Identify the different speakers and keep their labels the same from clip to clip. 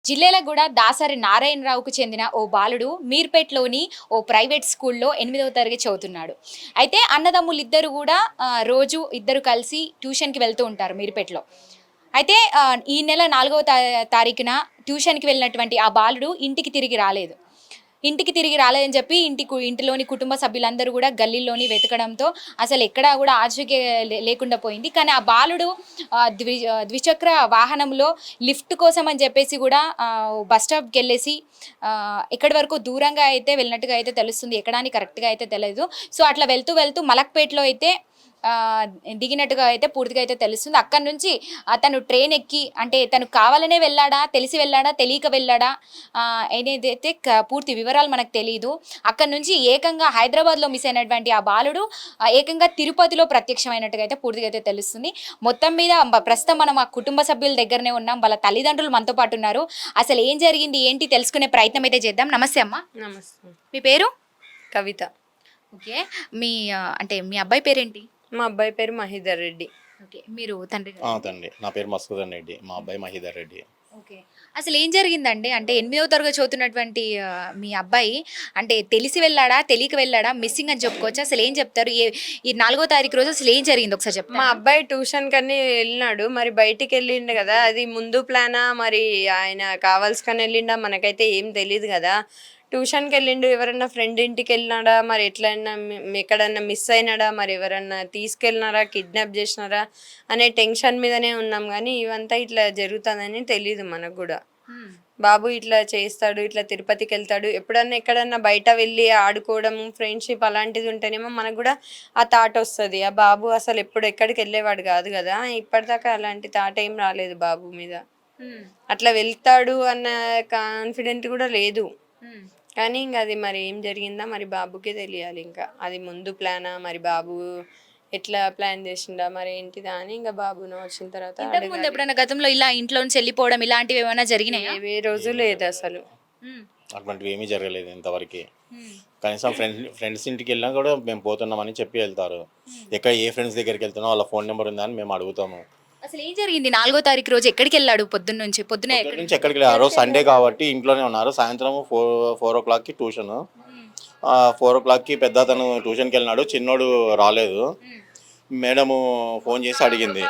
Speaker 1: జిల్లేలగూడ దాసరి నారాయణరావుకు చెందిన ఓ బాలుడు మీర్పేట్లోని ఓ ప్రైవేట్ స్కూల్లో 8వ తరగతి చదువుతున్నాడు. అయితే అన్నదమ్ములిద్దరూ కూడా రోజు ఇద్దరు కలిసి ట్యూషన్‌కి వెళ్తూ ఉంటారు మీర్పేట్‌లో. అయితే ఈ నెల 4వ తారీఖున ట్యూషన్‌కి వెళ్ళినటువంటి ఆ బాలుడు ఇంటికి తిరిగి రాలేదని చెప్పి ఇంటిలోని కుటుంబ సభ్యులందరూ కూడా గల్లీలోని వెతకడంతో అసలు ఎక్కడా కూడా ఆచూకీ లేకుండా పోయింది. కానీ ఆ బాలుడు ద్విచక్ర వాహనంలో లిఫ్ట్ కోసం అని చెప్పేసి కూడా బస్ స్టాప్‌కి వెళ్ళేసి ఎక్కడి వరకు దూరంగా అయితే వెళ్ళినట్టుగా అయితే తెలుస్తుంది. ఎక్కడా అని కరెక్ట్‌గా అయితే తెలియదు. సో అట్లా వెళ్తూ వెళ్తూ మలక్పేట్‌లో అయితే దిగినట్టుగా అయితే పూర్తిగా అయితే తెలుస్తుంది. అక్కడి నుంచి తను ట్రైన్ ఎక్కి అంటే తను కావాలనే వెళ్ళాడా, తెలిసి వెళ్ళాడా, తెలియక వెళ్ళాడా అనేదైతే పూర్తి వివరాలు మనకు తెలీదు. అక్కడి నుంచి ఏకంగా హైదరాబాద్‌లో మిస్ అయినటువంటి ఆ బాలుడు ఏకంగా తిరుపతిలో ప్రత్యక్షమైనట్టుగా అయితే పూర్తిగా అయితే తెలుస్తుంది. మొత్తం మీద ప్రస్తుతం మనం ఆ కుటుంబ సభ్యుల దగ్గరనే ఉన్నాం. వాళ్ళ తల్లిదండ్రులు మనతో పాటు ఉన్నారు. అసలు ఏం జరిగింది, ఏంటి తెలుసుకునే ప్రయత్నం అయితే చేద్దాం. నమస్తే అమ్మ.
Speaker 2: నమస్తే.
Speaker 1: మీ పేరు?
Speaker 2: కవిత.
Speaker 1: ఓకే. మీ అంటే మీ అబ్బాయి పేరేంటి?
Speaker 2: మా అబ్బాయి పేరు మహీధర్ రెడ్డి.
Speaker 1: ఓకే. మీరు తండ్రి
Speaker 3: తండ్రి. నా పేరు మస్కుదన్ రెడ్డి. మా అబ్బాయి మహీధర్ రెడ్డి.
Speaker 1: ఓకే. అసలు ఏం జరిగిందండి? అంటే 8వ తరగతి చదువుతున్నటువంటి మీ అబ్బాయి అంటే తెలిసి వెళ్ళాడా? తెలియక వెళ్ళాడా? మిస్సింగ్ అని చెప్పుకోవచ్చా? అసలు ఏం చెప్తారు? ఈ 4వ తారీఖు రోజు అసలు ఏం జరిగింది ఒకసారి
Speaker 2: మా
Speaker 1: చెప్తారా?
Speaker 2: అబ్బాయి ట్యూషన్ కని వెళ్ళినాడు. మరి బయటికి వెళ్ళిండు కదా, అది ముందు ప్లానా మరి ఆయన కావాల్సుకని వెళ్ళిండా మనకైతే ఏం తెలియదు కదా. ట్యూషన్కి వెళ్ళిండు, ఎవరన్నా ఫ్రెండ్ ఇంటికి వెళ్ళినాడా, మరి ఎట్లయినా ఎక్కడన్నా మిస్ అయినాడా, మరి ఎవరన్నా తీసుకెళ్ళినారా, కిడ్నాప్ చేసినారా అనే టెన్షన్ మీదనే ఉన్నాం. కానీ ఇవంతా ఇట్లా జరుగుతుందని తెలియదు మనకు కూడా. బాబు ఇట్లా చేస్తాడు, ఇట్లా తిరుపతికి వెళ్తాడు, ఎప్పుడన్నా ఎక్కడన్నా బయట వెళ్ళి ఆడుకోవడం, ఫ్రెండ్షిప్ అలాంటిది ఉంటేనేమో మనకు కూడా ఆ థాట్ వస్తుంది. ఆ బాబు అసలు ఎక్కడికి వెళ్ళేవాడు కాదు కదా, ఇప్పటిదాకా అలాంటి థాట్ ఏం రాలేదు బాబు మీద. అట్లా వెళ్తాడు అన్న కాన్ఫిడెంట్ కూడా లేదు. కానీ ఇంకా అది మరి ఏం జరిగిందా మరి బాబుకే తెలియాలి. ఇంకా అది ముందు ప్లానా, మరి బాబు ఎట్లా ప్లాన్ చేసిండా, మరి ఏంటిదా అని ఇంకా బాబును వచ్చిన తర్వాత
Speaker 1: ఇంతకుముందు ఎప్పుడైనా గతంలో ఇలా ఇంట్లో నుంచి వెళ్ళిపోవడం ఇలాంటివి ఏమైనా జరిగినాయా?
Speaker 2: ఏ రోజు లేదు అసలు.
Speaker 3: అటువంటివి ఏమీ జరగలేదు ఇంతవరకు. కనీసం ఫ్రెండ్స్ ఇంటికి వెళ్ళినా కూడా మేము పోతున్నామని చెప్పి వెళ్తారు. ఏ ఫ్రెండ్స్ దగ్గరికి వెళ్తున్నా వాళ్ళ ఫోన్ నెంబర్ ఉందా అని మేము అడుగుతాము.
Speaker 1: అసలు ఏం జరిగింది 4వ తారీఖు రోజు? ఎక్కడికి వెళ్ళాడు పొద్దున్న నుంచి? పొద్దున
Speaker 3: నుంచి ఎక్కడికి వెళ్ళారు? ఆ రోజు సండే కాబట్టి ఇంట్లోనే ఉన్నారు. సాయంత్రం 4 o'clockకి ట్యూషన్. 4 o'clockకి పెద్ద అతను ట్యూషన్కి వెళ్ళినాడు, చిన్నోడు రాలేదు. మేడము ఫోన్ చేసి అడిగింది,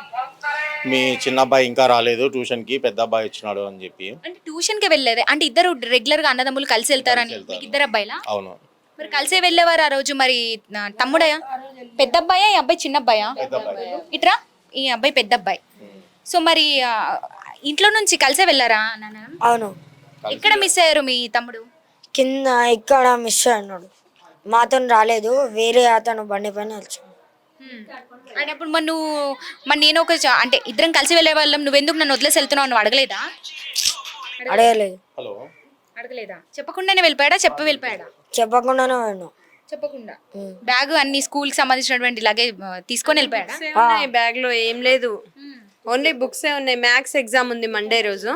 Speaker 3: మీ చిన్న అబ్బాయి ఇంకా రాలేదు ట్యూషన్కి, పెద్ద అబ్బాయి వచ్చినాడు అని చెప్పి.
Speaker 1: అంటే ట్యూషన్‌కి వెళ్ళేదే అంటే ఇద్దరు రెగ్యులర్ గా అన్నదమ్ములు కలిసి వెళ్తారని. మీకు ఇద్దరు అబ్బాయిలా?
Speaker 3: అవును.
Speaker 1: మరి కలిసే వెళ్ళేవారు ఆ రోజు. మరి తమ్ముడయా? పెద్ద అబ్బాయా? ఈ అబ్బాయి చిన్న అబ్బాయా? ఇట్రా, ఈ అబ్బాయి పెద్ద అబ్బాయి. సో మరి ఇంట్లో నుంచి కలిసే వెళ్ళారా నాన్న?
Speaker 4: అవును.
Speaker 1: ఎక్కడ మిస్ అయ్యారు మీ తమ్ముడు?
Speaker 4: కింద ఇక్కడ మిస్ అన్నాడు. మాతో రాలేదు, వేరే అతను బండి పైన వచ్చాడు.
Speaker 1: అంటే అప్పుడు మరి నేను అంటే ఇద్దరం కలిసి వెళ్ళే వాళ్ళం, నువ్వెందుకు నన్ను వదిలేసి వెళ్తున్నావు నువ్వు అడగలేదా?
Speaker 4: అడగలేదు.
Speaker 3: హలో,
Speaker 1: అడగలేదా? చెప్పకుండానే వెళ్ళిపోయాడా? వెళ్ళిపోయాడా?
Speaker 4: చెప్పకుండానే పోయాను.
Speaker 1: చెప్పకుండా బ్యాగ్ అన్ని స్కూల్ కి సంబంధించినటువంటి లగేజ్ తీసుకొని వెళ్ళిపోయాడా?
Speaker 2: బ్యాగ్ లో ఏం లేదు, ఓన్లీ బుక్సే ఉన్నాయి. మ్యాథ్స్ ఎగ్జామ్ ఉంది మండే రోజు.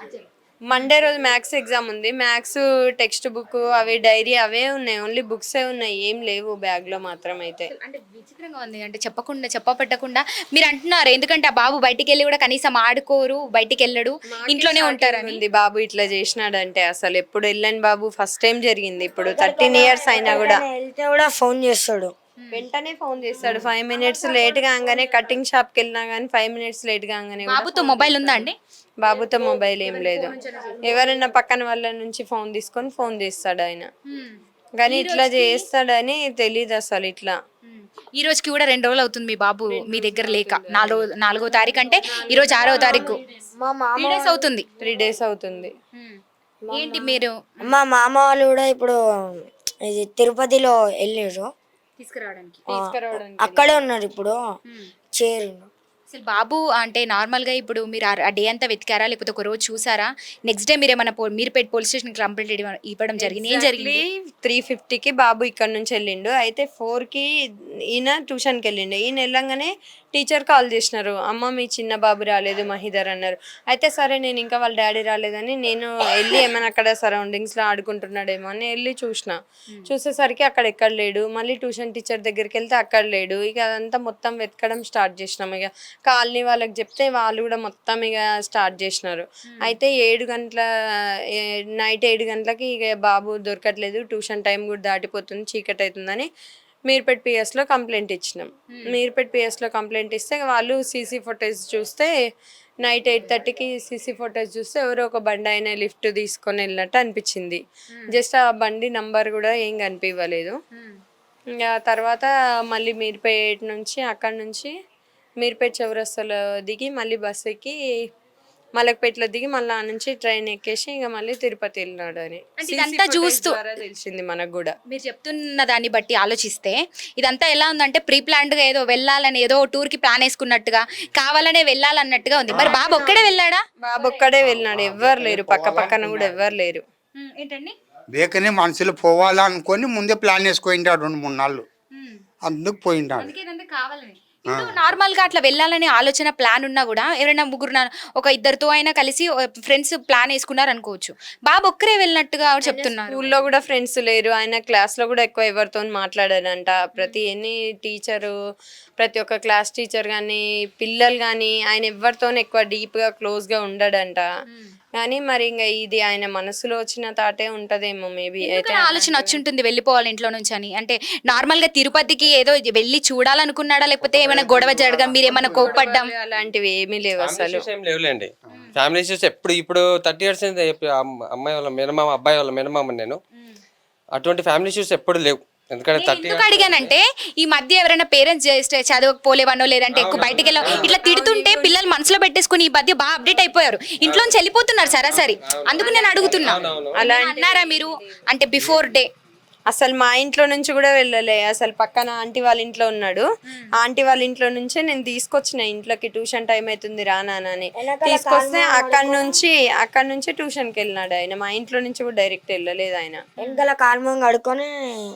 Speaker 2: మ్యాథ్స్ ఎగ్జామ్ ఉంది. మ్యాథ్స్ టెక్స్ట్ బుక్, అవి డైరీ అవే ఉన్నాయి. ఓన్లీ బుక్సే ఉన్నాయి, ఏం లేవు బ్యాగ్ లో మాత్రం. అయితే
Speaker 1: అంటే విచిత్రంగా ఉంది. అంటే చెప్పకుండా మీరు అంటున్నారు, ఎందుకంటే ఆ బాబు బయటికి వెళ్ళి కూడా కనీసం ఆడుకోరు, బయటికి వెళ్ళడు, ఇంట్లోనే ఉంటారని.
Speaker 2: బాబు ఇట్లా చేసినాడంటే అసలు ఎప్పుడు వెళ్ళని బాబు, ఫస్ట్ టైం జరిగింది. ఇప్పుడు 13 years అయినా కూడా
Speaker 4: వెళ్తే కూడా ఫోన్ చేస్తాడు,
Speaker 2: వెంటనే ఫోన్ చేస్తాడు. 5 minutes లేట్ కాగానే, కటింగ్ షాప్ కి వెళ్ళినా గానీ 5 minutes లేట్ కాగానే.
Speaker 1: బాబుతో మొబైల్ ఉందా అండి?
Speaker 2: బాబుతో మొబైల్ ఏం లేదు. ఎవరైనా పక్కన వాళ్ళ నుంచి ఫోన్ తీసుకొని ఫోన్ చేస్తాడు ఆయన. కానీ ఇట్లా చేస్తాడని తెలీదు అసలు. ఇట్లా
Speaker 1: ఈ రోజుకి కూడా 2 రోజులు అవుతుంది మీ బాబు మీ దగ్గర లేక. 4వ తారీఖు అంటే ఈ రోజు 6వ తారీఖు.
Speaker 4: మా మామ
Speaker 1: 3 days అవుతుంది.
Speaker 2: 3 days అవుతుంది.
Speaker 1: ఏంటి మీరు
Speaker 4: మా మామ వాళ్ళు కూడా ఇప్పుడు ఇది తిరుపతిలో వెళ్ళారు,
Speaker 1: తీసుకురావడానికి?
Speaker 4: అక్కడే ఉన్నారు ఇప్పుడు, చేరు.
Speaker 1: అసలు బాబు అంటే నార్మల్గా ఇప్పుడు మీరు ఆ డే అంతా వెతికారా, లేకపోతే ఒక రోజు చూసారా? నెక్స్ట్ డే మీరు ఏమైనా మీరుపేట పోలీస్ స్టేషన్ కంప్లైంట్ ఇవ్వడం జరిగింది? ఏం జరిగింది?
Speaker 2: 3:50కి బాబు ఇక్కడ నుంచి వెళ్ళిండు. అయితే 4కి ఈయన ట్యూషన్కి వెళ్ళిండు. ఈయన వెళ్ళంగానే టీచర్ కాల్ చేసినారు, అమ్మ మీ చిన్న బాబు రాలేదు మహిధర్ అన్నారు. అయితే సరే నేను ఇంకా వాళ్ళ డాడీ రాలేదని నేను వెళ్ళి ఏమైనా అక్కడ సరౌండింగ్స్లో ఆడుకుంటున్నాడేమో అని వెళ్ళి చూసేసరికి అక్కడ ఎక్కడ లేడు. మళ్ళీ ట్యూషన్ టీచర్ దగ్గరికి వెళ్తే అక్కడ లేడు. ఇక అదంతా మొత్తం వెతకడం స్టార్ట్ చేసినాం. ఇక కాలనీ వాళ్ళకి చెప్తే వాళ్ళు కూడా మొత్తం ఇక స్టార్ట్ చేసినారు. అయితే నైట్ 7 గంటలకి ఇక బాబు దొరకట్లేదు, ట్యూషన్ టైం కూడా దాటిపోతుంది, చీకటి అవుతుందని మీర్పేట్ పిఎస్లో కంప్లైంట్ ఇచ్చినాం. మీర్పేట్ పిఎస్లో కంప్లైంట్ ఇస్తే వాళ్ళు సీసీ ఫుటేజ్ చూస్తే నైట్ 8:30కి సీసీ ఫుటేజ్ చూస్తే ఎవరో ఒక బండి ఆయన లిఫ్ట్ తీసుకొని వెళ్ళినట్టు అనిపించింది. జస్ట్ ఆ బండి నంబర్ కూడా ఏం కనిపించలేదు. ఇంకా తర్వాత మళ్ళీ మీర్పేట్ నుంచి అక్కడ నుంచి మీర్పేట్ చౌరస్తాలో దిగి మళ్ళీ బస్ ఎక్కి మలక్పేటలో దిగి మళ్ళీ ఆ నుంచి ట్రైన్ ఎక్కేసి ఇంకా మళ్ళీ తిరుపతి వెళ్ళినాడు అని
Speaker 1: ఇదంతా చూస్తూ
Speaker 2: తెలిసింది మనకు కూడా.
Speaker 1: మీరు చెప్తున్న దాన్ని బట్టి ఆలోచిస్తే ఇదంతా ఎలా ఉందంటే ప్రీ ప్లాన్డ్గా ఏదో వెళ్ళాలని ఏదో టూర్కి ప్లాన్ వేసుకున్నట్టుగా కావాలనే వెళ్ళాలన్నట్టుగా ఉంది. మరి బాబు ఒక్కడే వెళ్ళాడా?
Speaker 2: బాబు ఒక్కడే వెళ్ళినాడు, ఎవ్వరు లేరు, పక్కన కూడా ఎవ్వరు లేరు.
Speaker 1: ఏంటండి
Speaker 5: వేకనే మనుషులు పోవాలనుకొని ముందే ప్లాన్ వేసుకుంటాడు 2-3 నాళ్ళు, అందుకు పోయింటాడు.
Speaker 1: కావాలని నార్మల్ గా అట్లా వెళ్ళాలనే ఆలోచన ప్లాన్ ఉన్నా కూడా ఎవరైనా ముగ్గురు ఒక ఇద్దరితో అయినా కలిసి ఫ్రెండ్స్ ప్లాన్ వేసుకున్నారు అనుకోవచ్చు. బాబు ఒక్కరే వెళ్ళినట్టుగా చెప్తున్నారు.
Speaker 2: స్కూల్లో కూడా ఫ్రెండ్స్ లేరు, ఆయన క్లాస్లో కూడా ఎక్కువ ఎవరితో మాట్లాడారంట. ప్రతి ఒక్క క్లాస్ టీచర్ కానీ పిల్లలు కానీ ఆయన ఎవరితో ఎక్కువ డీప్గా క్లోజ్గా ఉండడంట. కానీ మరి ఇంకా ఇది ఆయన మనసులో వచ్చిన తాటే ఉంటదేమో మేబీ. అయితే
Speaker 1: ఆలోచన వచ్చి ఉంటుంది వెళ్ళిపోవాలి ఇంట్లో నుంచి అని. అంటే నార్మల్ గా తిరుపతికి ఏదో వెళ్ళి చూడాలనుకున్నాడా, లేకపోతే ఏమైనా గొడవ జరగడం, మీరు ఏమైనా కోప్పడ్డం
Speaker 2: అలాంటివి ఏమీ లేవు అసలు.
Speaker 6: లేవులేండి ఫ్యామిలీ ఇష్యూస్. ఇప్పుడు 30 years అమ్మాయి వాళ్ళ మినిమం అబ్బాయి వాళ్ళ మినిమం నేను అటువంటి ఫ్యామిలీ ఇష్యూస్ ఎప్పుడు లేవు. ఎందుకంటే
Speaker 1: ఎందుకు అడిగానంటే ఈ మధ్య ఎవరైనా పేరెంట్స్ చేస్తే చదవకపోలేవనో లేదంటే ఎక్కువ బయటకు వెళ్ళో ఇట్లా తిడుతుంటే పిల్లలు మనసులో పెట్టేసుకుని ఈ మధ్య బాగా అప్డేట్ అయిపోయారు, ఇంట్లోంచి వెళ్ళిపోతున్నారు సరాసరి. అందుకు నేను అడుగుతున్నా, అలా అన్నారా మీరు? అంటే బిఫోర్ డే
Speaker 2: అసలు మా ఇంట్లో నుంచి కూడా వెళ్ళలే. అసలు పక్కన ఆంటీ వాళ్ళ ఇంట్లో ఉన్నాడు, ఆంటీ వాళ్ళ ఇంట్లో నుంచే నేను తీసుకొచ్చిన ఇంట్లోకి. ట్యూషన్ టైం అవుతుంది రా నాన్న అని తీసుకొస్తే అక్కడ నుంచి ట్యూషన్కి వెళ్ళినాడు ఆయన. మా ఇంట్లో నుంచి కూడా డైరెక్ట్ వెళ్ళలేదు ఆయన.
Speaker 4: వెనకాల కాల్మం కడుక్కొని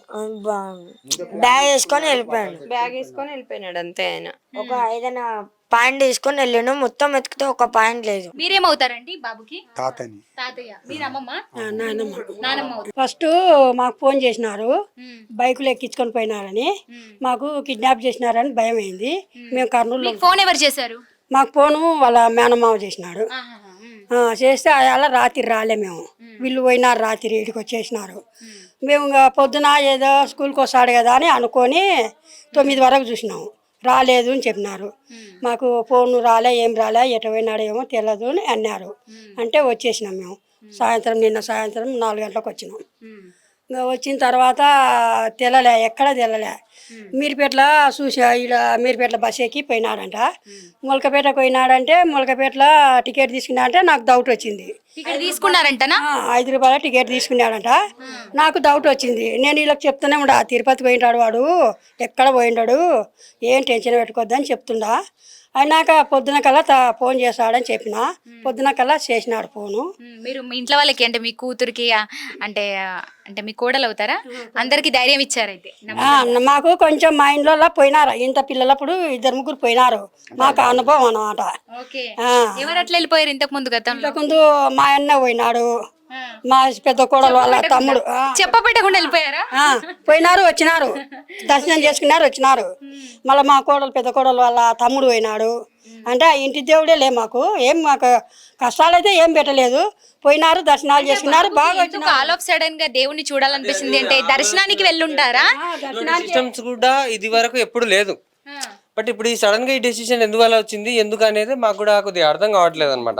Speaker 4: బ్యాగ్ వేసుకొని
Speaker 2: వెళ్ళిపోయినాడు అంతే. ఆయన
Speaker 4: ఒక ఏదైనా పాయింట్ తీసుకొని వెళ్ళాను, మొత్తం వెతికితే ఒక పాయింట్ లేదు.
Speaker 1: మీరేమవుతారండి బాబుకి?
Speaker 5: తాతని.
Speaker 1: తాతయ్య. మీరు అమ్మమ్మ?
Speaker 7: నానమ్మ. ఫస్ట్ మాకు ఫోన్ చేసినారు, బైకులు ఎక్కించుకొని పోయినారని, మాకు కిడ్నాప్ చేసినారని భయం అయింది. మేము కర్నూలు.
Speaker 1: ఫోన్ ఎవరు చేశారు?
Speaker 7: మాకు ఫోను వాళ్ళ మేనమావ చేసినాడు. చేస్తే అలా రాత్రి రాలే మేము, వీళ్ళు పోయినారు రాత్రి ఇడికి వచ్చేసినారు. మేము ఇంకా పొద్దున ఏదో స్కూల్కి వస్తాడు కదా అని అనుకొని 9 వరకు చూసినాము, రాలేదు అని చెప్పినారు. మాకు ఫోన్ ఏం రాలే, ఎటు పోయినాడో ఏమో తెలియదు అని అన్నారు. అంటే వచ్చేసినాం మేము. నిన్న సాయంత్రం 4 గంటలకు వచ్చినాం. ఇంకా వచ్చిన తర్వాత ఎక్కడ తెల్లలే. మీర్పేటలో మీర్పేటలో బస్ ఎక్కి పోయినాడంట. ములకపేటకు పోయినాడంటే ములకపేటలో టికెట్ తీసుకున్నాడంటే నాకు డౌట్ వచ్చింది.
Speaker 1: తీసుకున్నారంటనా?
Speaker 7: 5 రూపాయల టికెట్ తీసుకున్నాడంట. నాకు డౌట్ వచ్చింది. నేను వీళ్ళకి చెప్తూనే ఉండా, తిరుపతి పోయినాడు వాడు, ఎక్కడ పోయినాడు, ఏం టెన్షన్ పెట్టుకోద్దని చెప్తుండా. అయినాక పొద్దున కల్లా ఫోన్ చేస్తాడని చెప్పిన, పొద్దున కల్లా చేసినాడు ఫోను.
Speaker 1: మీరు మీ ఇంట్లో వాళ్ళకి అంటే మీ కూతురికి అంటే అంటే మీ కోడలు అవుతారా, అందరికి ధైర్యం ఇచ్చారైతే?
Speaker 7: మాకు కొంచెం మా ఇంట్లో పోయినారు, ఇంత పిల్లలప్పుడు 2-3 పోయినారు, మాకు అనుభవం అన్నమాట.
Speaker 1: ఎవరు అట్లా వెళ్ళిపోయారు ఇంతకు ముందు?
Speaker 7: ఇంతకుముందు మా అన్న పోయినాడు, మా పెద్ద కోడలు వాళ్ళ తమ్ముడు.
Speaker 1: చెప్పబెట్టకుండా వెళ్ళిపోయారా?
Speaker 7: పోయినారు, వచ్చినారు, దర్శనం చేసుకున్నారు, వచ్చినారు. మళ్ళీ మా కోడలు పెద్ద కోడలు వాళ్ళ తమ్ముడు పోయినాడు. అంటే ఆ ఇంటి దేవుడే లే, మాకు కష్టాలైతే ఏం పెట్టలేదు. పోయినారు, దర్శనాలు చేసుకున్నారు, బాగా.
Speaker 1: ఆల్ ఆఫ్ సడన్ గా దేవుణ్ణి చూడాలనిపిస్తుంది అంటే దర్శనానికి వెళ్ళుంటారా?
Speaker 6: సిస్టమ్స్ కూడా ఇది వరకు ఎప్పుడు లేదు. బట్ ఇప్పుడు ఈ సడన్ గా ఈ డెసిషన్ ఎందువల్ల వచ్చింది, ఎందుకు అనేది మాకు కూడా కొద్దిగా అర్థం కావట్లేదు అనమాట.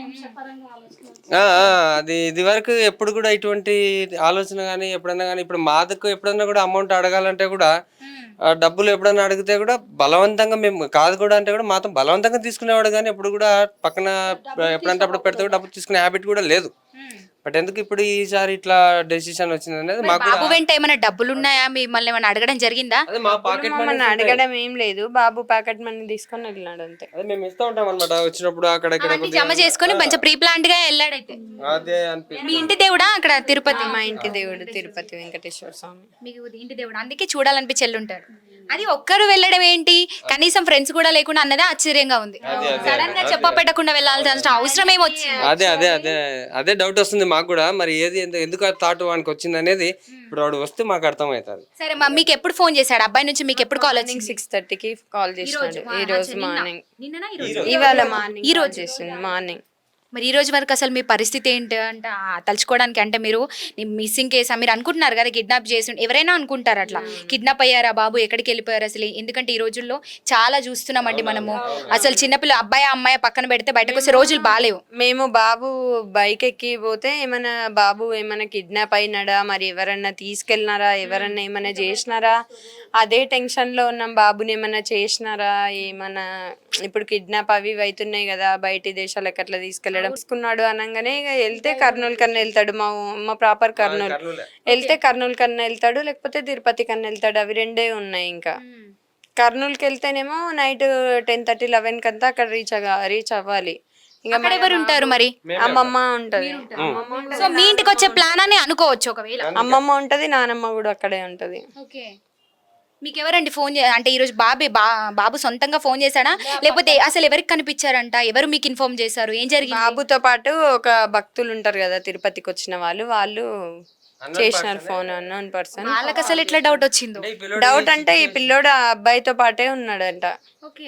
Speaker 6: అది ఇది వరకు ఎప్పుడు కూడా ఇటువంటి ఆలోచన కానీ ఎప్పుడైనా కానీ, ఇప్పుడు మాదకు ఎప్పుడైనా కూడా అమౌంట్ అడగాలంటే కూడా డబ్బులు ఎప్పుడైనా అడిగితే కూడా బలవంతంగా మేము కాదు కూడా అంటే కూడా మాతో బలవంతంగా తీసుకునేవాడు, కానీ ఎప్పుడు కూడా పక్కన ఎప్పుడంటే అప్పుడు పెడితే డబ్బులు తీసుకునే హ్యాబిట్ కూడా లేదు. బట్ ఎందుకు ఇప్పుడు ఈసారి ఇట్లా డెసిషన్ వచ్చింది అనేది మాకు.
Speaker 1: బాబు వెంట ఏమైనా డబ్బులు ఉన్నాయా, మిమ్మల్ని ఏమైనా అడగడం జరిగిందా?
Speaker 6: మా పాకెట్ మనీ
Speaker 2: అడగడం ఏం లేదు, బాబు పాకెట్ మనీ తీసుకొని వెళ్ళినాడు అంతే.
Speaker 6: అదే మేము ఇస్తూ ఉంటాం అనమాట, వచ్చినప్పుడు అక్కడ
Speaker 1: జమ చేసుకుని మంచి ప్రీ ప్లాన్డ్ గా వెళ్ళాడైతే.
Speaker 6: అదే అనిపిస్తుంది.
Speaker 1: మీ ఇంటి దేవుడా అక్కడ తిరుపతి?
Speaker 2: మా ఇంటి దేవుడు తిరుపతి వెంకటేశ్వర స్వామి.
Speaker 1: మీకు ఇంటి దేవుడు, అందుకే చూడాలనిపించి వెళ్ళుంటారు. అది ఒక్కరు వెళ్ళడం ఏంటి, కనీసం ఫ్రెండ్స్ కూడా లేకుండా అన్నదే ఆశ్చర్యంగా ఉంది. సడన్ గా చెప్ప పెట్టకుండా వెళ్ళాల్సిన అవసరం ఏమొచ్చింది?
Speaker 6: అదే డౌట్ వస్తుంది మాకు కూడా. మరి ఏది ఎందుకు ఆ థాట్ వానికి వచ్చింది అనేది ఇప్పుడు వాడు వస్తే మాకు అర్థమవుతుంది.
Speaker 1: సరే మీకు ఎప్పుడు ఫోన్ చేశాడు అబ్బాయి నుంచి, మీకు ఎప్పుడు కాల్ వచ్చింది?
Speaker 2: 6:30కి కాల్ చేసినాడు ఈ రోజు మార్నింగ్.
Speaker 1: నిన్ననా ఈరోజు?
Speaker 2: ఇవాళ మార్నింగ్ ఈ రోజు చేసింది మార్నింగ్.
Speaker 1: మరి ఈ రోజు వరకు అసలు మీ పరిస్థితి ఏంటి అంటే తలుచుకోవడానికి, అంటే మీరు మిస్సింగ్ కేసా మీరు అనుకుంటున్నారు కదా, కిడ్నాప్ చేసి ఎవరైనా అనుకుంటారు అట్లా, కిడ్నాప్ అయ్యారా బాబు, ఎక్కడికి వెళ్ళిపోయారు అసలు? ఎందుకంటే ఈ రోజుల్లో చాలా చూస్తున్నామండి మనము, అసలు చిన్నపిల్ల అబ్బాయి అమ్మాయి పక్కన పెడితే బయటకు వస్తే రోజులు బాగాలేవు.
Speaker 2: మేము బాబు బైక్ ఎక్కి పోతే ఏమైనా బాబు ఏమైనా కిడ్నాప్ అయినాడా, మరి ఎవరన్నా తీసుకెళ్ళినారా, ఎవరన్నా ఏమైనా చేసినారా, అదే టెన్షన్లో ఉన్నాం. బాబుని ఏమైనా చేసినారా, ఏమైనా ఇప్పుడు కిడ్నాప్ అవి ఇవి అవుతున్నాయి కదా, బయటి దేశాలకు అట్లా తీసుకున్నాడు అనగానే ఇక వెళ్తే కర్నూలు కన్నా వెళ్తాడు. మా ప్రాపర్ కర్నూలు వెళ్తే కర్నూలు కన్నా వెళ్తాడు, లేకపోతే తిరుపతి కన్నా వెళ్తాడు. అవి రెండే ఉన్నాయి. ఇంకా కర్నూలుకి వెళ్తేనేమో నైట్ 10:30, 11 కంతా అక్కడ రీచ్ అవ్వాలి. ఇంకా
Speaker 1: అక్కడ ఎవరు ఉంటారు మరి?
Speaker 2: అమ్మమ్మ ఉంటది.
Speaker 1: సో మీ ఇంటికి వచ్చే ప్లాన్ అని అనుకోవచ్చు ఒకవేళ.
Speaker 2: అమ్మమ్మ ఉంటది, నానమ్మ కూడా అక్కడే ఉంటది.
Speaker 1: ఓకే, మీకు ఎవరండి ఫోన్ అంటే ఈరోజు బాబు సొంతంగా ఫోన్ చేశాడా, లేకపోతే అసలు ఎవరికి కనిపించారంట, ఎవరు మీకు ఇన్ఫార్మ్ చేశారు, ఏం జరిగింది?
Speaker 2: బాబుతో పాటు ఒక భక్తులు ఉంటారు కదా తిరుపతికి వచ్చిన వాళ్ళు చేసినారు ఫోన్. Unknown person.
Speaker 1: వాళ్ళకి అసలు ఎట్లా డౌట్ వచ్చిందో?
Speaker 2: డౌట్ అంటే ఈ పిల్లోడు ఆ అబ్బాయితో పాటే ఉన్నాడంట.
Speaker 1: ఓకే,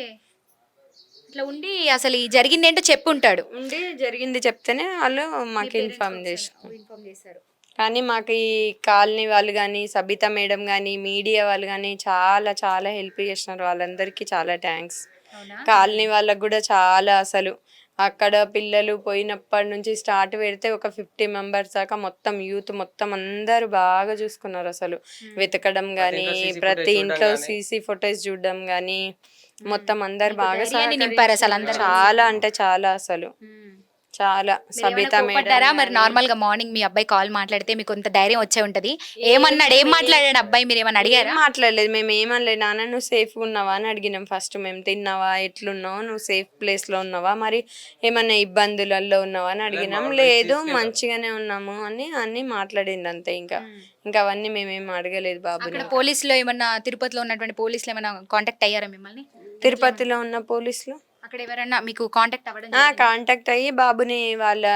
Speaker 1: ఇట్లా ఉండి అసలు ఈ జరిగింది ఏంటో చెప్పుంటాడు.
Speaker 2: ఉండి జరిగింది చెప్తేనే వాళ్ళు మాకు ఇన్ఫార్మ్ చేశారు. కానీ మాకు ఈ కాలనీ వాళ్ళు కానీ, సబితా మేడం కానీ, మీడియా వాళ్ళు కానీ చాలా చాలా హెల్ప్ చేసినారు. వాళ్ళందరికీ చాలా థ్యాంక్స్. కాలనీ వాళ్ళకు కూడా చాలా, అసలు అక్కడ పిల్లలు పోయినప్పటి నుంచి స్టార్ట్ పెడితే ఒక 50 మెంబర్స్ దాకా మొత్తం యూత్ మొత్తం అందరూ బాగా చూసుకున్నారు. అసలు వెతకడం కానీ, ప్రతి ఇంట్లో సీసీ ఫొటోస్ చూడడం కానీ, మొత్తం అందరు బాగా
Speaker 1: నింపారు అసలు అందరూ.
Speaker 2: చాలా అంటే చాలా, అసలు చాలా. సబితా
Speaker 1: మేడం మరి నార్మల్ గా మార్నింగ్ మీ అబ్బాయి కాల్ మాట్లాడితే మీకు కొంత ధైర్యం వచ్చే ఉంటది. ఏమన్నాడు, ఏం మాట్లాడాడు అబ్బాయి, మీరు ఏమన్నా అడిగారా?
Speaker 2: మాట్లాడలేదు. మేము ఏమనలేదు. నాన్న నువ్వు సేఫ్గా ఉన్నావా అని అడిగినాం ఫస్ట్. మేము తిన్నావా, ఎట్లున్నావు, నువ్వు సేఫ్ ప్లేస్లో ఉన్నావా, మరి ఏమన్నా ఇబ్బందులలో ఉన్నావా అని అడిగినాం. లేదు మంచిగానే ఉన్నాము అని అన్ని మాట్లాడింది అంతే. ఇంకా అవన్నీ మేమేం అడగలేదు బాబుని.
Speaker 1: పోలీసులో ఏమన్నా, తిరుపతిలో ఉన్నటువంటి పోలీసులు ఏమన్నా కాంటాక్ట్ అయ్యారా మిమ్మల్ని?
Speaker 2: తిరుపతిలో ఉన్న పోలీసులు
Speaker 1: అక్కడ ఎవరన్నా మీకు కాంటాక్ట్ అవ్వడం?
Speaker 2: కాంటాక్ట్ అయ్యి బాబుని వాళ్ళ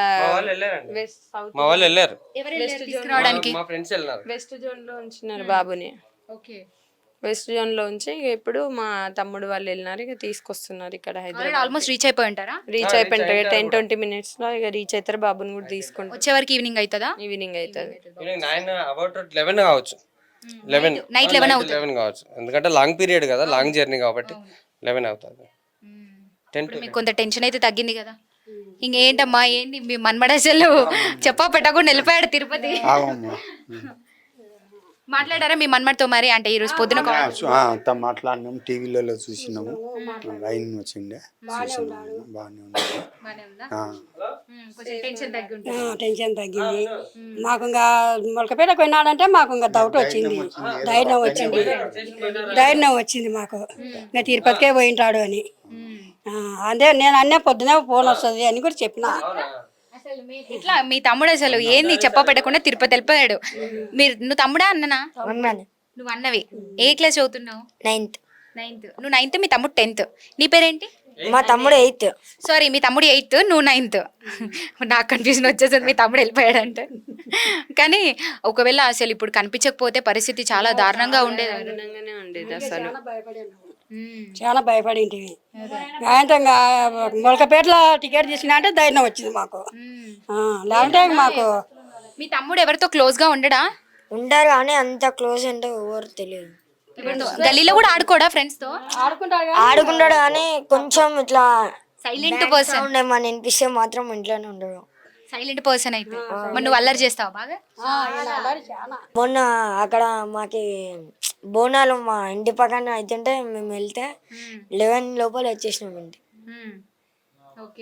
Speaker 6: మా వాళ్ళు వెళ్ళారు
Speaker 1: తీసుకురావడానికి.
Speaker 6: మా ఫ్రెండ్స్ వెళ్ళారు.
Speaker 2: వెస్ట్ జోన్ లో ఉంచినారు బాబుని.
Speaker 1: ఓకే,
Speaker 2: వెస్ట్ జోన్ లో ఉంచి ఇప్పుడు మా తమ్ముడు వాళ్ళు వెళ్ళినారు. ఇక తీసుకొస్తున్నారు ఇక్కడ హైదరాబాద్.
Speaker 1: ఆల్మోస్ట్ రీచ్ అయిపోయి ఉంటారా?
Speaker 2: రీచ్ అయిపోయింటారు 10-20 minutes లో. ఇక రీచ్ అవుతారు. బాబుని కూడా తీసుకుంటారు.
Speaker 1: వచ్చే వరకు ఈవినింగ్ అవుతుందా?
Speaker 2: ఈవినింగ్ అవుతుంది.
Speaker 6: 11 కావచ్చు. 11
Speaker 1: నైట్ 11
Speaker 6: కావచ్చు. ఎందుకంటే లాంగ్ పీరియడ్ కదా, లాంగ్ జర్నీ కాబట్టి 11 అవుతుంది.
Speaker 1: మీకు కొంత టెన్షన్ అయితే తగ్గింది కదా? ఇంకేంటమ్మా, ఏంటి మీ మన్మడసలు చెప్పా పెట్టకుండా వెళ్ళిపోయాడు తిరుపతి. మాట్లాడారా మీ మన్మడితో మరి? అంటే ఈ రోజు పొద్దున
Speaker 5: మాట్లాడినాం, టీవీలలో చూసినాము, లైన్ వచ్చిండే చూసినాము, బాగానే
Speaker 7: టెన్షన్ తగ్గింది మాకు. ఇంకా మొలకపేటకు పోయినాడంటే మాకు ఇంకా డౌట్ వచ్చింది, ధైర్యం వచ్చింది మాకు. ఇంకా తిరుపతికే పోయింటాడు అని. అదే నేను అన్నీ పొద్దునే ఫోన్ వస్తుంది అని కూడా చెప్పిన.
Speaker 1: ఇట్లా మీ తమ్ముడు అసలు ఏంది చెప్ప పెట్టకుండా తిరుపతి వెళ్ళిపోయాడు. నువ్వు తమ్ముడా అన్ననా? నువ్వు అన్నవి. ఏ క్లాస్ చదువుతున్నావు?
Speaker 4: 9th.
Speaker 1: నువ్వు 9th, మీ తమ్ముడు 10th. నీ పేరేంటి?
Speaker 4: మా తమ్ముడు 8th.
Speaker 1: సారీ, మీ తమ్ముడు 8th, నువ్వు 9th. నాకు కన్ఫ్యూజన్ వచ్చేసింది మీ తమ్ముడు వెళ్ళిపోయాడంటే. కానీ ఒకవేళ అసలు ఇప్పుడు కనిపించకపోతే పరిస్థితి చాలా దారుణంగా ఉండేది.
Speaker 2: అసలు
Speaker 7: చాలా భయపడింటివి. గాయంతంగా మొలకపేటలో టికెట్ తీసుకున్నా అంటే ధైర్యం వచ్చింది మాకు. లేదంటే మాకు.
Speaker 1: మీ తమ్ముడు ఎవరితో క్లోజ్ గా ఉండడా?
Speaker 4: ఉంటారు కానీ అంత క్లోజ్ అంటే ఎవరు తెలియదు.
Speaker 1: గల్లీలో కూడా ఆడుకోడా ఫ్రెండ్స్ తో?
Speaker 4: ఆడుకుంటాడు కానీ కొంచెం ఇట్లా
Speaker 1: సైలెంట్ పర్సన్.
Speaker 4: ఏమన్నా వినిపిస్తే మాత్రం ఇంట్లోనే ఉండడు.
Speaker 1: సైలెంట్ పర్సన్ అయితే. మరి నువ్వు అల్లరి చేస్తావు బాగా?
Speaker 4: మొన్న అక్కడ మాకి బోనాలు మా ఇంటి పక్కన అవుతుంటే మేము వెళ్తే 11 లోపల వచ్చేసినాం ఇంటి.
Speaker 1: ఓకే,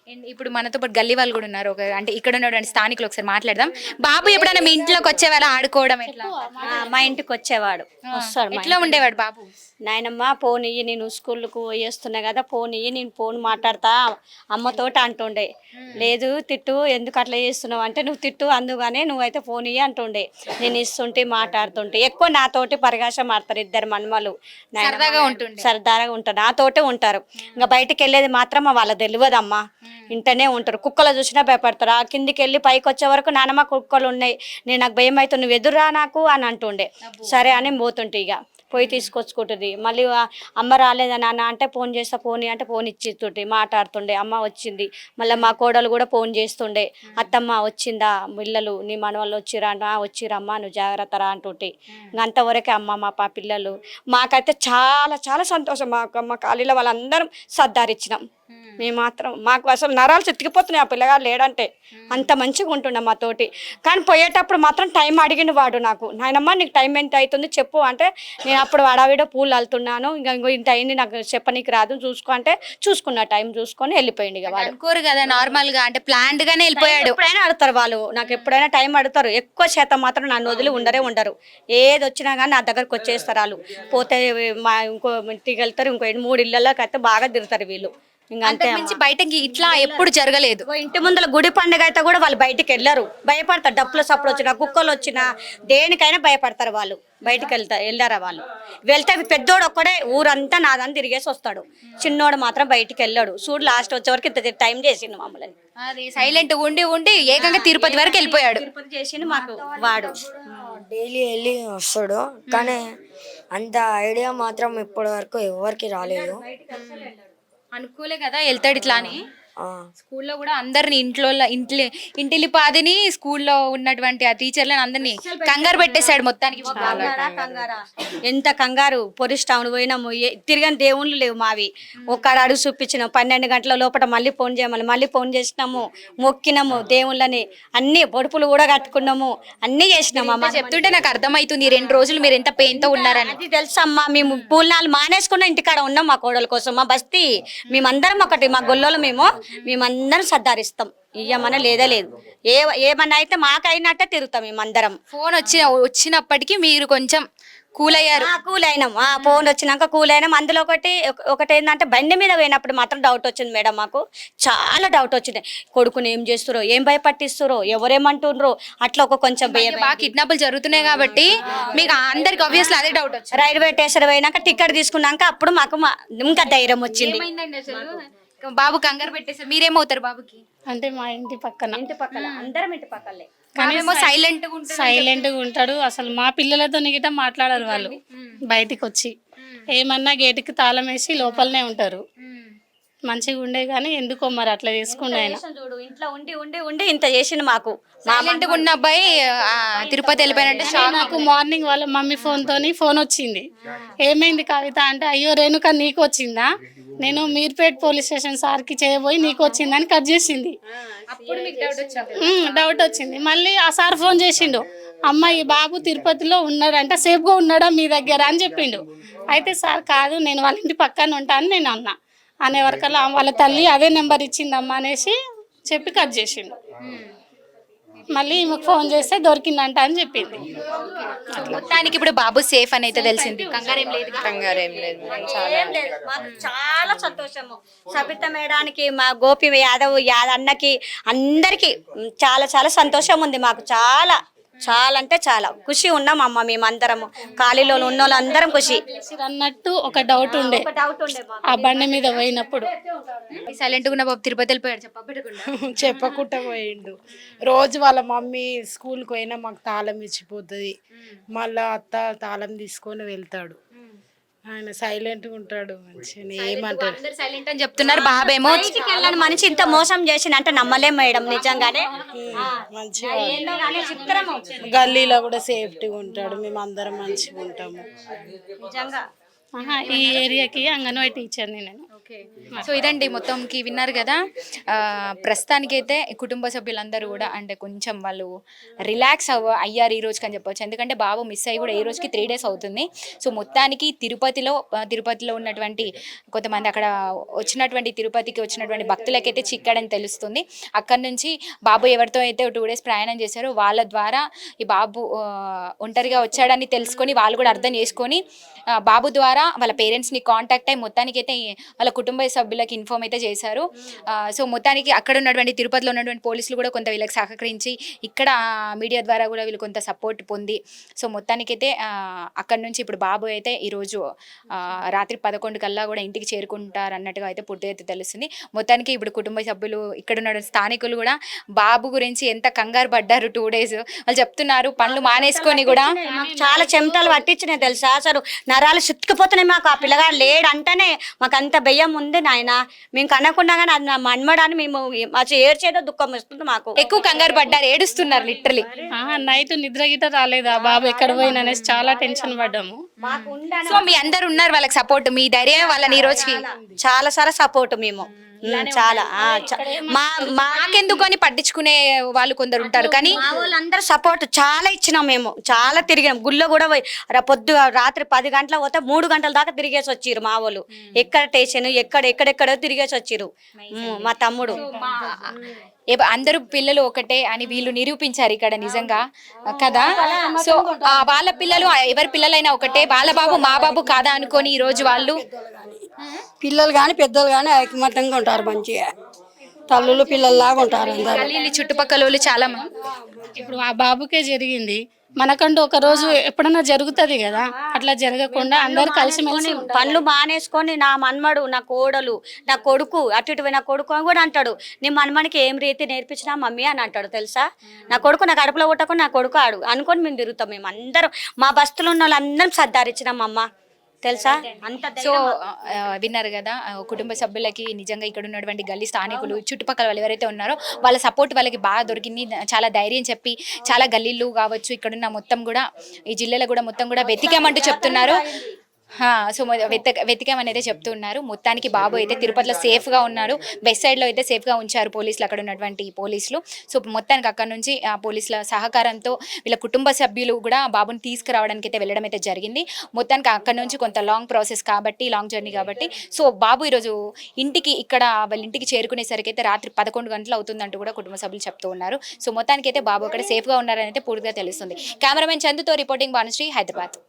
Speaker 1: And ఇప్పుడు మనతో పాటు గల్లీ వాళ్ళు కూడా ఉన్నారు. అంటే ఇక్కడ ఉన్నటువంటి స్థానికులు ఒకసారి మాట్లాడదాం. బాబు ఎప్పుడైనా మీ ఇంట్లోకి వచ్చేవాళ్ళ ఆడుకోవడం ఎట్లా?
Speaker 8: మా ఇంటికి వచ్చేవాడు వస్తాడు మా
Speaker 1: ఎట్లా ఉండేవాడు బాబు?
Speaker 8: నాయనమ్మ ఫోన్ ఇయ్యి, నేను స్కూల్కు పోయేస్తున్నా కదా, ఫోన్ ఇయ్యి, నేను ఫోన్ మాట్లాడతా అమ్మతోటి అంటుండే. లేదు తిట్టు, ఎందుకు అట్లా చేస్తున్నావు అంటే, నువ్వు తిట్టు అందుగానే నువ్వైతే ఫోన్ ఇయ్యి అంటుండే. నేను ఇస్తుంటే మాట్లాడుతుంటే ఎక్కువ నాతోటి పరిగాషం ఆడతారు ఇద్దరు మన్మలు.
Speaker 1: సరదాగా ఉంటుండే.
Speaker 8: సరదాగా ఉంటారు, నాతోటే ఉంటారు. ఇంకా బయటికి వెళ్ళేది మాత్రం వాళ్ళ తెలియదమ్మా, ఇంటనే ఉంటారు. కుక్కలు చూసినా భయపడతారు. ఆ కిందికి వెళ్ళి పైకి వచ్చే వరకు నానమ్మ కుక్కలు ఉన్నాయి, నేను నాకు భయం అవుతుంది, నువ్వు ఎదురా నాకు అని అంటుండే. సరే అని పోతుంటే ఇక పోయి తీసుకొచ్చుకుంటుంది. మళ్ళీ అమ్మ రాలేదా నాన్న అంటే, ఫోన్ చేస్తా ఫోన్ అంటే ఫోన్ ఇచ్చిస్తుంటే మాట్లాడుతుండే. అమ్మ వచ్చింది. మళ్ళీ మా కోడలు కూడా ఫోన్ చేస్తుండే, అత్తమ్మ వచ్చిందా, పిల్లలు నీ మనవాళ్ళు వచ్చిరా, వచ్చిరమ్మా నువ్వు జాగ్రత్త రా అంటుంటే. ఇంక అంతవరకే అమ్మ మా పిల్లలు. మాకైతే చాలా చాలా సంతోషం. మా కాలేజీలో వాళ్ళందరం సర్దారిచ్చినాం. మేము మాత్రం మాకు అసలు నరాలు చితికిపోతున్నాయి ఆ పిల్లగాడు లేడంటే, అంత మంచిగా ఉంటుండే మాతోటి. కానీ పోయేటప్పుడు మాత్రం టైం అడిగిండు వాడు నాకు, నాయనమ్మ నీకు టైం ఎంత అవుతుంది చెప్పు అంటే, నేను అప్పుడు అడవిడో పూలు అల్లుతున్నాను, ఇంకో ఇంత అయింది నాకు చెప్పనీకి రాదు చూసుకో అంటే, చూసుకున్న టైం చూసుకొని వెళ్ళిపోయింది. ఇక వాడు
Speaker 1: అనుకోరు కదా నార్మల్ గా, అంటే ప్లాన్డ్ గానే వెళ్ళిపోయాడు.
Speaker 8: ఎప్పుడైనా అడుగుతారు వాళ్ళు, నాకు ఎప్పుడైనా టైం అడుగుతారు. ఎక్కువ శాతం మాత్రం నన్ను వదిలి ఉండరు. ఏది వచ్చినా కానీ నా దగ్గరకు వచ్చేస్తారు వాళ్ళు. పోతే మా ఇంకో ఇంటికి వెళ్తారు, ఇంకో 3 ఇళ్ళలోకి అయితే బాగా తిరుగుతారు వీళ్ళు. ఇంకా అంతే
Speaker 1: నుంచి బయటకి ఇట్లా ఎప్పుడు జరగలేదు.
Speaker 8: ఇంటి ముందర గుడి పండుగ అయితే కూడా వాళ్ళు బయటికి వెళ్ళరు, భయపడతారు. డప్పుల సప్పుడు వచ్చినా, కుక్కలు వచ్చినా, దేనికైనా భయపడతారు వాళ్ళు. బయటికి వెళ్ళారా వాళ్ళు. వెళ్తే పెద్దోడు ఒక్కడే ఊరంతా నాదని తిరిగేసి వస్తాడు, చిన్నోడు మాత్రం బయటికి వెళ్ళాడు. చూడు లాస్ట్ వచ్చే వరకు ఇంత టైం చేసిండు మమ్మల్ని.
Speaker 1: అది సైలెంట్ ఉండి ఏకంగా తిరుపతి వరకు వెళ్ళిపోయాడు.
Speaker 8: తిరుపతి చేసిండు మాకు వాడు.
Speaker 4: డైలీ వెళ్ళి వస్తాడు, కానీ అంత ఐడియా మాత్రం ఇప్పటి వరకు ఎవరికి రాలేదు.
Speaker 1: అనుకోలే కదా వెళ్తాడు ఇట్లా అని.
Speaker 4: ఆ,
Speaker 1: స్కూల్లో కూడా అందరిని ఇంటిలిపాదిని స్కూల్లో ఉన్నటువంటి ఆ టీచర్లను అందరినీ కంగారు పెట్టేశాడు మొత్తానికి.
Speaker 8: కంగారా ఎంత కంగారు. పొరిస్ టౌన్ పోయినాము, తిరగని దేవుళ్ళు లేవు మావి. ఒక్కడ అడుగు చూపించినాం, 12 గంటల లోపల మళ్ళీ ఫోన్ చేయమని మళ్ళీ ఫోన్ చేసినాము, మొక్కినాము దేవుళ్ళని, అన్ని బొడుపులు కూడా కట్టుకున్నాము, అన్ని చేసినాము. అమ్మ
Speaker 1: చెప్తుంటే నాకు అర్థమవుతుంది 2 రోజులు మీరు ఎంత పెయిన్ తో ఉన్నారని.
Speaker 8: అది తెలుసమ్మా, మేము పూలనాలు మానేసుకున్న ఇంటికాడ ఉన్నాం మా కోడల కోసం. మా బస్తీ మేమందరం ఒకటి, మా గొల్లోలు మేమందరం సర్దారిస్తాం. ఇయ్యమన్నా లేదా లేదు, ఏమన్నా అయితే మాకైనట్టే తిరుగుతాం మేమందరం.
Speaker 1: ఫోన్ వచ్చినప్పటికీ మీరు కొంచెం కూల్ అయ్యారు.
Speaker 8: కూల్ అయినాం. ఫోన్ వచ్చినాక కూల్ అయినాం. అందులో ఒకటి ఏంటంటే, బండి మీద పోయినప్పుడు మాత్రం డౌట్ వచ్చింది మేడం, మాకు చాలా డౌట్ వచ్చింది. కొడుకుని ఏం చేస్తురో, ఏం భయపట్టిస్తురో, ఎవరేమంటుండ్రో, అట్లా కొంచెం భయం.
Speaker 1: బాగా కిడ్నాపులు జరుగుతున్నాయి కాబట్టి మీకు అందరికి ఆబ్వియస్లీ అదే డౌట్ వచ్చింది.
Speaker 8: రైల్వే స్టేషన్ పోయినాక టికెట్ తీసుకున్నాక అప్పుడు మాకు ఇంకా ధైర్యం వచ్చింది.
Speaker 1: ఏమైందండి అసలు? బాబు కంగారు పెట్టేసారు. మీరేమవుతారు బాబుకి?
Speaker 9: అంటే మా ఇంటి పక్కన
Speaker 8: అందరం ఇంటి పక్కలే.
Speaker 9: సైలెంట్ గా ఉంటాడు. అసలు మా పిల్లలతో గిట్ట మాట్లాడరు వాళ్ళు. బయటికి వచ్చి ఏమన్నా గేటుకి తాళం వేసి లోపలనే ఉంటారు. మంచిగా ఉండే కానీ ఎందుకో మరి అట్లా చేసుకుండే ఆయన.
Speaker 8: చూడు ఇంట్లో ఉండి ఇంత చేసిండు మాకు.
Speaker 1: సైలెంట్ గా ఉన్న అబ్బాయి తిరుపతి వెళ్ళిపోయినట్టే షాక్.
Speaker 9: నాకు మార్నింగ్ వాళ్ళ మమ్మీ ఫోన్ వచ్చింది. ఏమైంది కవిత అంటే, అయ్యో రేణుక నీకు వచ్చిందా, నేను మీర్పేట్ పోలీస్ స్టేషన్ సార్కి చేయబోయి నీకు వచ్చిందని కట్ చేసింది. డౌట్ వచ్చింది. మళ్ళీ ఆ సార్ ఫోన్ చేసిండు, అమ్మ ఈ బాబు తిరుపతిలో ఉన్నాడంట, సేఫ్గా ఉన్నాడా మీ దగ్గర అని చెప్పిండు. అయితే సార్ కాదు, నేను వాళ్ళ ఇంటి పక్కన ఉంటాను నేను అన్నా. అనే వరకల్లా వాళ్ళ తల్లి అదే నెంబర్ ఇచ్చిందమ్మా అనేసి చెప్పి కట్ చేసిండు. మళ్ళీ ఈమెకు ఫోన్ చేస్తే దొరికిందంట అని చెప్పింది.
Speaker 1: మొత్తానికి ఇప్పుడు బాబు సేఫ్ అని అయితే తెలిసింది. కంగారేం లేదు.
Speaker 2: కంగారేం లేదు.
Speaker 8: మాకు చాలా సంతోషము. సబిత మేడానికి, మా గోపి యాదవ్ అన్నకి, అందరికి చాలా చాలా సంతోషం ఉంది. మాకు చాలా చాలా అంటే చాలా ఖుషి ఉన్నాం అమ్మ. మేమందరము ఖాళీలో ఉన్న వాళ్ళందరం ఖుషి.
Speaker 9: అన్నట్టు ఒక డౌట్ ఉండే ఆ బండి మీద పోయినప్పుడు.
Speaker 1: సైలెంట్ గా ఉన్న బాబు తిరుపతి వెళ్ళిపోయాడు
Speaker 10: చెప్పకుండా పోయిండు. రోజు వాళ్ళ మమ్మీ స్కూల్కి పోయినా మాకు తాళం ఇచ్చిపోతుంది, మళ్ళా అత్త తాళం తీసుకొని వెళ్తాడు. ఆయన సైలెంట్ గా ఉంటాడు, మంచిగా ఏమంటారు.
Speaker 1: సైలెంట్ అని చెప్తున్నారు. బాబేమో
Speaker 8: వెళ్ళని మనిషి ఇంత మోసం చేసిన అంటే నమ్మలేం మేడం, నిజంగానే.
Speaker 10: మంచిగా గల్లీలో కూడా సేఫ్టీగా ఉంటాడు, మేము అందరం మంచిగా ఉంటాము.
Speaker 8: నిజంగా
Speaker 9: ఈ ఏరియాకి అంగన్వాడీ టీచర్ని నేను.
Speaker 1: సో ఇదండి మొత్తంకి విన్నారు కదా. ప్రస్తుతానికైతే కుటుంబ సభ్యులందరూ కూడా అంటే కొంచెం వాళ్ళు రిలాక్స్ అయ్యారు ఈ రోజుకి అని చెప్పొచ్చు. ఎందుకంటే బాబు మిస్ అయ్యి కూడా ఈ రోజుకి 3 days అవుతుంది. సో మొత్తానికి తిరుపతిలో ఉన్నటువంటి కొంతమంది అక్కడ తిరుపతికి వచ్చినటువంటి భక్తులకైతే చిక్కాడని తెలుస్తుంది. అక్కడ నుంచి బాబు ఎవరితో అయితే 2 days ప్రయాణం చేశారో వాళ్ళ ద్వారా ఈ బాబు ఒంటరిగా వచ్చాడని తెలుసుకొని వాళ్ళు కూడా అర్థం చేసుకొని బాబు ద్వారా వాళ్ళ పేరెంట్స్ని కాంటాక్ట్ అయ్యి మొత్తానికైతే వాళ్ళ కుటుంబ సభ్యులకి ఇన్ఫార్మ్ అయితే చేశారు. సో మొత్తానికి అక్కడ ఉన్నటువంటి తిరుపతిలో ఉన్నటువంటి పోలీసులు కూడా కొంత వీళ్ళకి సహకరించి ఇక్కడ మీడియా ద్వారా కూడా వీళ్ళు కొంత సపోర్ట్ పొంది సో మొత్తానికైతే అక్కడ నుంచి ఇప్పుడు బాబు అయితే ఈరోజు రాత్రి 11 కల్లా కూడా ఇంటికి చేరుకుంటారు అన్నట్టుగా అయితే పూర్తిగా అయితే తెలుస్తుంది. మొత్తానికి ఇప్పుడు కుటుంబ సభ్యులు ఇక్కడ ఉన్న స్థానికులు కూడా బాబు గురించి ఎంత కంగారు పడ్డారు 2 days. వాళ్ళు చెప్తున్నారు పనులు మానేసుకొని కూడా
Speaker 8: మాకు చాలా చెమటలు పట్టించినాయి తెలుసా, అసలు నరాలు సుత్తుకుపోతున్నాయి మాకు. ఆ పిల్లగాడు లేడు అంటేనే మాకు అంత భయం ఉంది నాయన. మేము కనకుండా కానీ అది నా మన్మడాన్ని మేము ఏడ్చేదో దుఃఖం వస్తుంది మాకు.
Speaker 1: ఎక్కువ కంగారు పడ్డారు, ఏడుస్తున్నారు లిటరలీ.
Speaker 9: నైట్ నిద్ర గిట్ట రాలేదా బాబు ఎక్కడ పోయినా అనేసి చాలా టెన్షన్ పడ్డాము.
Speaker 1: సో మీ అందరు ఉన్నారు వాళ్ళకి సపోర్ట్, మీ ధైర్యం వాళ్ళని ఈ రోజుకి
Speaker 8: చాలా సారా సపోర్ట్ మేము చాలా
Speaker 1: మాకెందుకు అని పట్టించుకునే వాళ్ళు కొందరు ఉంటారు కానీ
Speaker 8: మా వాళ్ళందరూ సపోర్ట్ చాలా ఇచ్చినాం. మేము చాలా తిరిగాం గుళ్ళో కూడా పోయి రాత్రి 10 గంటల పోతే 3 గంటల దాకా తిరిగేసి వచ్చిర్రు మా వాళ్ళు. ఎక్కడ స్టేషన్ ఎక్కడెక్కడో తిరిగేసి వచ్చిర్రు మా తమ్ముడు.
Speaker 1: అందరూ పిల్లలు ఒకటే అని వీళ్ళు నిరూపించారు ఇక్కడ నిజంగా కదా. సో వాళ్ళ పిల్లలు ఎవరి పిల్లలైనా ఒకటే, వాళ్ళ బాబు మా బాబు కాదా అనుకొని ఈ రోజు వాళ్ళు
Speaker 7: పిల్లలు కానీ పెద్దలు కానీ ఐకమత్యంగా ఉంటారు, మంచిగా తల్లులు పిల్లల్లాగా ఉంటారు అందరూ.
Speaker 1: చుట్టుపక్కల వాళ్ళు చాలా మంది.
Speaker 9: ఇప్పుడు ఆ బాబుకే జరిగింది, మనకంటూ ఒక రోజు ఎప్పుడన్నా జరుగుతుంది కదా, అట్లా జరగకుండా అందరు కలిసిమెలిసి
Speaker 8: పనులు మానేసుకొని నా మన్మడు నా కోడలు నా కొడుకు అటు ఇటు నా కొడుకు అని కూడా అంటాడు. నీ మన్మడికి ఏం రీతి నేర్పించినా మమ్మీ అని అంటాడు తెలుసా. నా కొడుకు నా కడుపులో కొట్టకుండా నా కొడుకు ఆడు అనుకొని మేము తిరుగుతాం. మేము అందరం మా బస్తులు ఉన్న వాళ్ళందరం సర్దారిచ్చినాం అమ్మ తెలుసా. అంత
Speaker 1: సో విన్నారు కదా కుటుంబ సభ్యులకి నిజంగా ఇక్కడ ఉన్నటువంటి గల్లీ స్థానికులు చుట్టుపక్కల వాళ్ళు ఎవరైతే ఉన్నారో వాళ్ళ సపోర్ట్ వాళ్ళకి బాగా దొరికింది. చాలా ధైర్యం చెప్పి చాలా గల్లీలు కావచ్చు ఇక్కడున్న మొత్తం కూడా ఈ జిల్లాలో కూడా మొత్తం కూడా వెతికామంటూ చెప్తున్నారు. సో వెతికామనేది చెప్తున్నారు. మొత్తానికి బాబు అయితే తిరుపతిలో సేఫ్గా ఉన్నారు. వెస్ట్ సైడ్లో అయితే సేఫ్గా ఉంచారు పోలీసులు, అక్కడ ఉన్నటువంటి పోలీసులు. సో మొత్తానికి అక్కడ నుంచి ఆ పోలీసుల సహకారంతో వీళ్ళ కుటుంబ సభ్యులు కూడా బాబుని తీసుకురావడానికి అయితే వెళ్ళడం అయితే జరిగింది. మొత్తానికి అక్కడ నుంచి కొంత లాంగ్ ప్రాసెస్ కాబట్టి, లాంగ్ జర్నీ కాబట్టి సో బాబు ఈరోజు వాళ్ళ ఇంటికి చేరుకునేసరికి అయితే రాత్రి 11 గంటలు అవుతుందంటూ కూడా కుటుంబ సభ్యులు చెప్తూ ఉన్నారు. సో మొత్తానికి అయితే బాబు అక్కడ సేఫ్గా ఉన్నారని అయితే పూర్తిగా తెలుస్తుంది. కెమెరామెన్ చందుతో రిపోర్టింగ్ భానుశ్రీ, హైదరాబాద్.